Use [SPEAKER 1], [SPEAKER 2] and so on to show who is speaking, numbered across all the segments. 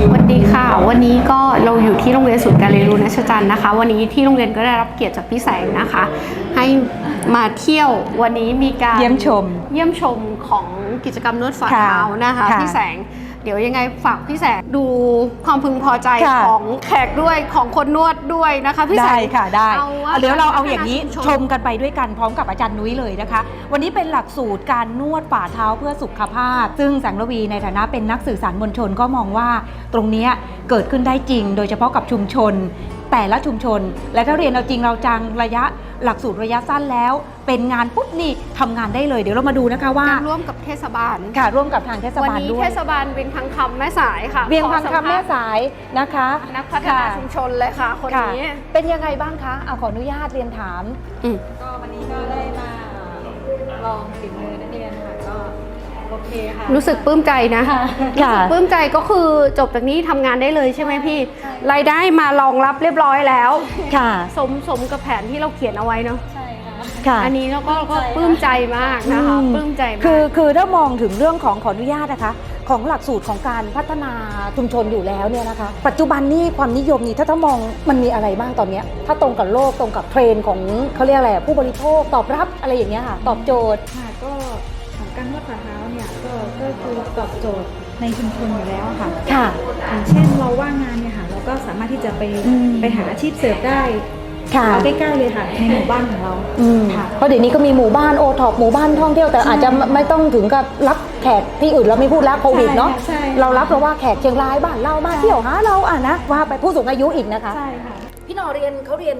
[SPEAKER 1] สวัสดีค่ะวันนี้ก็เราอยู่ที่โรงเรียนศูนย์การเรียนรู้ณชจันทร์นะคะวันนี้ที่โรงเรียนก็ได้รับเกียรติจากพี่แสงนะคะให้มาเที่ยววันนี้มีการ
[SPEAKER 2] เยี่ยมชม
[SPEAKER 1] ของกิจกรรมนวดฝ่าเท้านะคะพี่แสงเดี๋ยวยังไงฝากพี่แสงดูความพึงพอใจของแขกด้วยของคนนวดด้วยนะคะพี่แสง
[SPEAKER 2] ได้ค่ะได้เดี๋ยวเราเอาอย่างนี้ชมกันไปด้วยกันพร้อมกับอาจารย์นุ้ยเลยนะคะวันนี้เป็นหลักสูตรการนวดฝ่าเท้าเพื่อสุขภาพซึ่งแสงระวีในฐานะเป็นนักสื่อสารมวลชนก็มองว่าตรงนี้เกิดขึ้นได้จริงโดยเฉพาะกับชุมชนแต่ละชุมชนและถ้าเรียนเอาจริงเราจังระยะหลักสูตรระยะสั้นแล้วเป็นงานปุ๊บนี่ทำงานได้เลยเดี๋ยวเรามาดูนะคะว่า
[SPEAKER 1] ร่วมกับเทศบาล
[SPEAKER 2] ค่ะร่วมกับทางเทศบาลด้วยวัน
[SPEAKER 1] นี้เทศบาลเวียงพังคำแม่สายค่ะ
[SPEAKER 2] เวียงพังคำแม่สายนะคะ
[SPEAKER 1] นักพัฒนาชุมชนเลยค่ะคนนี้
[SPEAKER 2] เป็นยังไงบ้างคะเอาขออนุญาตเรียนถาม
[SPEAKER 3] ก็วันนี้ก็ได้มาลองฝีมือนักเรียนค่ะก็โอเคค่ะ
[SPEAKER 1] รู้สึกปลื้มใจนะรู้สึกปลื้มใจก็คือจบจากนี้ทำงานได้เลยใช่ไหมพี่รายได้มารองรับเรียบร้อยแล้ว
[SPEAKER 2] ค่ะ
[SPEAKER 1] สมกับแผนที่เราเขียนเอาไว้เนาะ
[SPEAKER 3] ใช่
[SPEAKER 1] ค่ะอันนี้เราก็ปลื้มใจมากนะคะปลื้มใจมาก
[SPEAKER 2] คือถ้ามองถึงเรื่องของขออนุญาตนะคะของหลักสูตรของการพัฒนาชุมชนอยู่แล้วเนี่ยนะคะปัจจุบันนี้ความนิยมนี่ถ้ามองมันมีอะไรบ้างตอนนี้ถ้าตรงกับโลกตรงกับเทรนด์ของเขาเรียกอะไรผู้บริโภคตอบรับอะไรอย่างเงี้ยค่ะตอบโจทย์
[SPEAKER 3] ค่ะก็ของการนวดฝ่าเท้าเนี่ยก็คือตอบโจทย์ในชุมชนอยู่แล้วค่ะอย่างเช่นเราว่างงานเนี่ยค่ะเราก็สามารถที่จะไปหาอาชีพเสริมได้เอาใกล้ๆเลยค่ะในหมู่บ้านของเรา
[SPEAKER 2] เพราะเดี๋ยวนี้ก็มีหมู่บ้านโอท็อปหมู่บ้านท่องเที่ยวแต่อาจจะไม่ต้องถึงกับรับแขกที่อื่นเราไม่พูดแล้วโควิดเนาะเรารับเพราะว่าแขกเชียงรายบ้านเรามาเที่ยวหาเรานะว่าไปผู้สูงอายุอีกนะคะ
[SPEAKER 3] ใช่ค่ะ
[SPEAKER 2] พี่นอเขาเรียน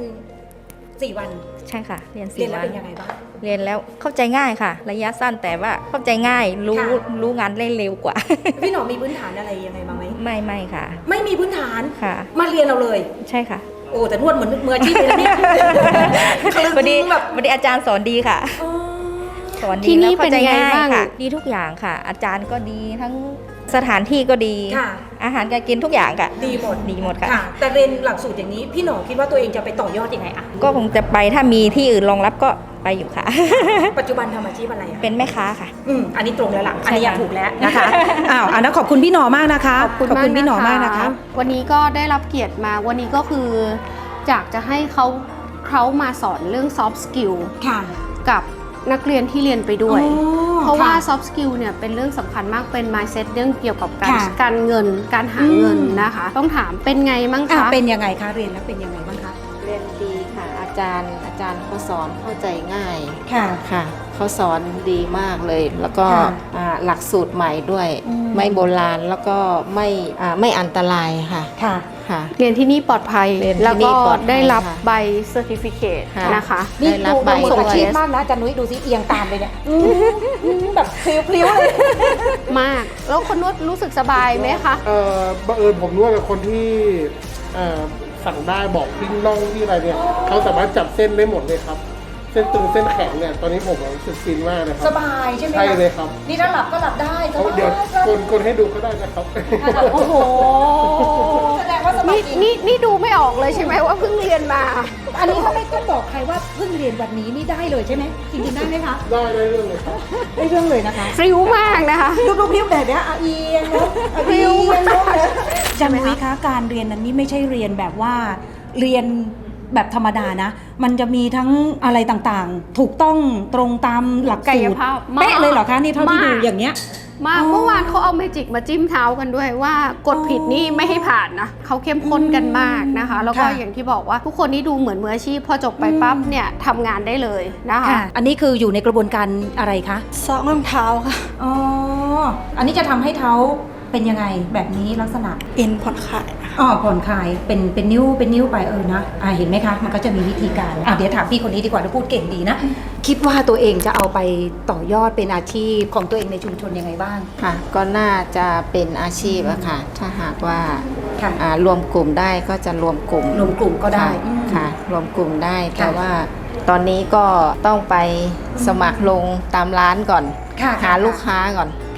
[SPEAKER 2] 4 วัน
[SPEAKER 4] ใช่ค่ะเรียน4 วัน
[SPEAKER 2] แล้วเป็นยังไงบ้าง
[SPEAKER 4] เรียนแล้วเข้าใจง่ายค่ะระยะสั้นแต่ว่าเข้าใจง่ายรู้งานได้เร็วกว่า
[SPEAKER 2] พี่หนอมีพื้นฐานอะไรยังไงบ้างไหม
[SPEAKER 4] ไม่ค่ะ
[SPEAKER 2] ไม่มีพื้นฐาน
[SPEAKER 4] ค่ะ
[SPEAKER 2] มาเรียนเราเลย
[SPEAKER 4] ใช่ค่ะ
[SPEAKER 2] โอ้แต่นวดเหมือนมืออาชีพเลยนี่
[SPEAKER 4] วันนี้อาจารย์สอนดีค่ะสอนดีแล้วเข้าใจง่ายค่ะดีทุกอย่างค่ะอาจารย์ก็ดีทั้งสถานที่ก็ดีอาหารการกินทุกอย่างค่ะ
[SPEAKER 2] ดีหมด
[SPEAKER 4] ค่ะ
[SPEAKER 2] แต่เรียนหลักสูตรอย่างนี้พี่หนอคิดว่าตัวเองจะไปต่อยอดยังไงอะ
[SPEAKER 4] ก็คงจะไปถ้ามีที่อื่นรองรับก็ไปอยู่ค่ะ
[SPEAKER 2] ปัจจุบันทำอาชีพอะไรอะ
[SPEAKER 4] เป็นแม่ค้าค่ะ
[SPEAKER 2] อันนี้ตรงแล้วล่ะอันนี้อยากถูกแล้วนะคะอันนั้นขอบคุณพี่หนอมากนะคะ
[SPEAKER 1] ขอบคุณพี่หนอมากนะคะวันนี้ก็ได้รับเกียรติมาวันนี้ก็คืออยากจะให้เขามาสอนเรื่อง soft skill กับนักเรียนที่เรียนไปด้วยเพราะว่า soft skill เนี่ยเป็นเรื่องสำคัญมากเป็น mindset เรื่องเกี่ยวกับการเงินการหาเงินนะคะต้องถามเป็นไงบ้างคะ
[SPEAKER 2] เป็นยังไงคะเรียนแล้วเป็นยังไงบ้างคะ
[SPEAKER 5] เรียนดีค่ะอาจารย์เขาสอนเข้าใจง่าย
[SPEAKER 2] ค่ะ
[SPEAKER 5] เขาสอนดีมากเลยแล้วก็หลักสูตรใหม่ด้วยไม่โบราณแล้วก็ไม่อันตรายค่ะ
[SPEAKER 1] เรียนที่นี่ปลอดภัยแล้วก็ได้รับใบเซอร์ติฟิเคตนะคะ
[SPEAKER 2] นี่ดูมืออาชีพมากนะจันนุ้ยดูสิเอียงตามไปเนี่ยแบบพลิ้วเลย
[SPEAKER 1] มากแล้วคนนวดรู้สึกสบายไหมคะ
[SPEAKER 6] บังเอิญผมนวดกับคนที่สั่งได้บอกที่น่องที่อะไรเนี่ยเขาสามารถจับเส้นได้หมดเลยครับเส้นตึงเส้นแข็งเนี่ยตอนนี้ผมรู้สึกฟินมากนะครับ
[SPEAKER 2] สบายใช่ไหม
[SPEAKER 6] ใช่เลยครับ
[SPEAKER 2] นี่ถ้าหลับก็หลับได้
[SPEAKER 6] เดี๋ยวกดให้ดูก็ได้นะครับ
[SPEAKER 2] โอ้โหแสดงว่าสบาย
[SPEAKER 1] นี่ดูไม่ออกเลยใช่ไหมว่าเพิ่งเรียนมา
[SPEAKER 2] อันนี้ก็ไม่ต้องบอกใครว่าเพิ่งเรียนวันนี้นี่ได้เลยใช่ไหมจริงๆได้ไหมคะ
[SPEAKER 6] ได้เรื่องเลยครับ
[SPEAKER 2] ได้เรื่องเลยนะคะ
[SPEAKER 1] ฟริ้วมากนะคะ
[SPEAKER 2] ดูพริ้วแบบนี้เอียงเนาะพริ้วจันนุ้ยคะการเรียนนั้นนี่ไม่ใช่เรียนแบบว่าเรียนแบบธรรมดานะมันจะมีทั้งอะไรต่างๆถูกต้องตรงตามหลักสูตรเป๊ะเลยเหรอคะนี่เท่าที่ดูอย่างเนี้ย
[SPEAKER 1] มาเมื่อวานเขาเอาเมจิกมาจิ้มเท้ากันด้วยว่ากดผิดนี่ไม่ให้ผ่านนะเขาเข้มข้นกันมากนะคะแล้วก็อย่างที่บอกว่าทุกคนนี่ดูเหมือนมืออาชีพพอจบไปปั๊บเนี่ยทำงานได้เลยนะคะ
[SPEAKER 2] อันนี้คืออยู่ในกระบวนการอะไรคะ
[SPEAKER 3] ซ้อมรองเท้าค่ะ
[SPEAKER 2] อันนี้จะทำให้เท้าเป็นยังไงแบบนี้ลักษณะ
[SPEAKER 3] เอ็นผ่อนคลาย
[SPEAKER 2] ผ่อนคลายเป็นนิ้วไปนะเห็นไหมคะมันก็จะมีวิธีการเดี๋ยวถามพี่คนนี้ดีกว่าถ้าพูดเก่งดีนะคิดว่าตัวเองจะเอาไปต่อยอดเป็นอาชีพของตัวเองในชุมชนยังไงบ้าง
[SPEAKER 5] ค่ะก็น่าจะเป็นอาชีพอะค่ะถ้าหากว่ารวมกลุ่มได้ก็จะรวมกลุ่ม
[SPEAKER 2] ก็ได้
[SPEAKER 5] ค่ะรวมกลุ่มได้แต่ว่าตอนนี้ก็ต้องไปสมัครลงตามร้านก่อนหาลูกค้าก่อน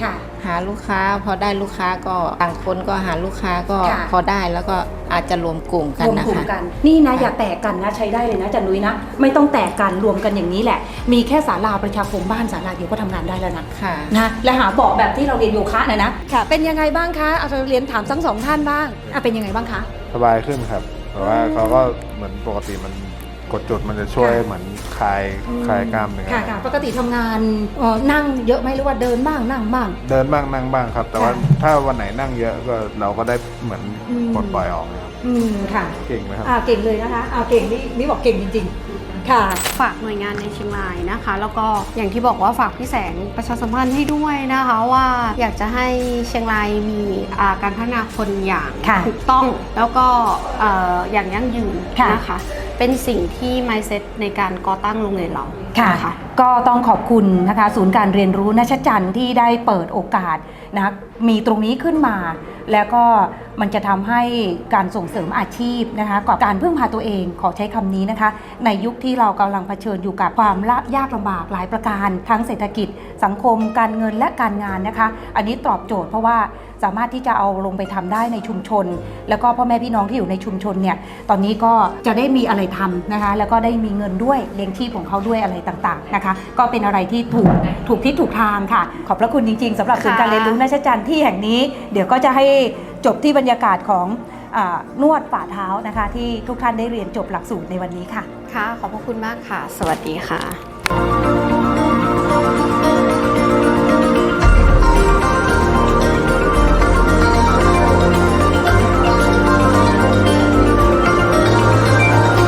[SPEAKER 5] หาลูกค้าพอได้ลูกค้าก็ต่างคนก็หาลูกค้าก็
[SPEAKER 2] ค่ะ
[SPEAKER 5] พอได้แล้วก็อาจจะรวมกลุ่มกัน
[SPEAKER 2] รวม
[SPEAKER 5] นะ
[SPEAKER 2] กลุ่ม
[SPEAKER 5] คะ
[SPEAKER 2] กันนี่นะอย่าแตกกันนะใช้ได้เลยนะอาจันนุ้ยนะไม่ต้องแตกกันรวมกันอย่างนี้แหละ มีแค่ศาลาประชาคมบ้านศาลาเดียวก็ทำงานได้แล้วนะ
[SPEAKER 5] ค่ะ
[SPEAKER 2] นะและหาเบาะแบบที่เราเรียนโยคะนะค่ะ เป็นยังไงบ้างคะเอาเรียนถามทั้งสองท่านบ้างเป็นยังไงบ้างคะ
[SPEAKER 7] สบายขึ้นครับแต่ว่าเขาก็เหมือนปกติมันกดจุดมันจะช่วยเหมือนคลายกล้ามเนื้อ
[SPEAKER 2] ค่ะปกติทำงานนั่งเยอะไหมหรือว่าเดินบ้างนั่งบ้าง
[SPEAKER 7] เดินบ้างนั่งบ้างครับ แต่ว่า
[SPEAKER 2] ค่ะ
[SPEAKER 7] ถ้าวันไหนนั่งเยอะก็เราก็ได้เหมือนปลดปล่อยออกนะครับ
[SPEAKER 2] ค่ะ
[SPEAKER 7] เก่งไหมครับ
[SPEAKER 2] เก่งเลยนะคะเก่งนี่บอกเก่งจริงๆค่ะ
[SPEAKER 1] ฝากหน่วยงานในเชียงรายนะคะ แล้วก็อย่างที่บอกว่าฝากพี่แสงประชาสัมพันธ์ให้ด้วยนะคะว่าอยากจะให้เชียงรายมีการพัฒนาคนอย่าง
[SPEAKER 2] ค่ะ
[SPEAKER 1] ถูกต้องแล้วก็อย่างยั่งยืน
[SPEAKER 2] ค่ะ
[SPEAKER 1] นะคะเป็นสิ่งที่ mindset ในการก่อตั้งโรงเรียนเรา
[SPEAKER 2] ค่ะ
[SPEAKER 1] น
[SPEAKER 2] ก็ต้องขอบคุณนะคะศูนย์การเรียนรู้ณชัชจันทร์ที่ได้เปิดโอกาสนะมีตรงนี้ขึ้นมา แล้วก็มันจะทำให้การส่งเสริมอาชีพนะคะกับการพึ่งพาตัวเองขอใช้คำนี้นะคะ ในยุคที่เรากำลังเผชิญอยู่กับความยากลำบากหลายประการทั้งเศรษฐกิจ สังคมการเงินและการงานนะคะ อันนี้ตอบโจทย์เพราะว่าสามารถที่จะเอาลงไปทำได้ในชุมชน แล้วก็พ่อแม่พี่น้องที่อยู่ในชุมชนเนี่ยตอนนี้ก็จะได้มีอะไรทำนะคะแล้วก็ได้มีเงินด้วยเลี้ยงชีพของเขาด้วยอะไรต่างๆนะคะก็เป็นอะไรที่ถูกที่ถูกทางค่ะ ขอบพระคุณจริงๆสำหรับศูนย์การเรียนรู้ณชัชจันทร์ที่แห่งนี้เดี๋ยวก็จะให้จบที่บรรยากาศของนวดฝ่าเท้านะคะที่ทุกท่านได้เรียนจบหลักสูตรในวันนี้ค่ะ
[SPEAKER 1] ค่ะขอบพระคุณมากค่ะ สวัสดีค่ะ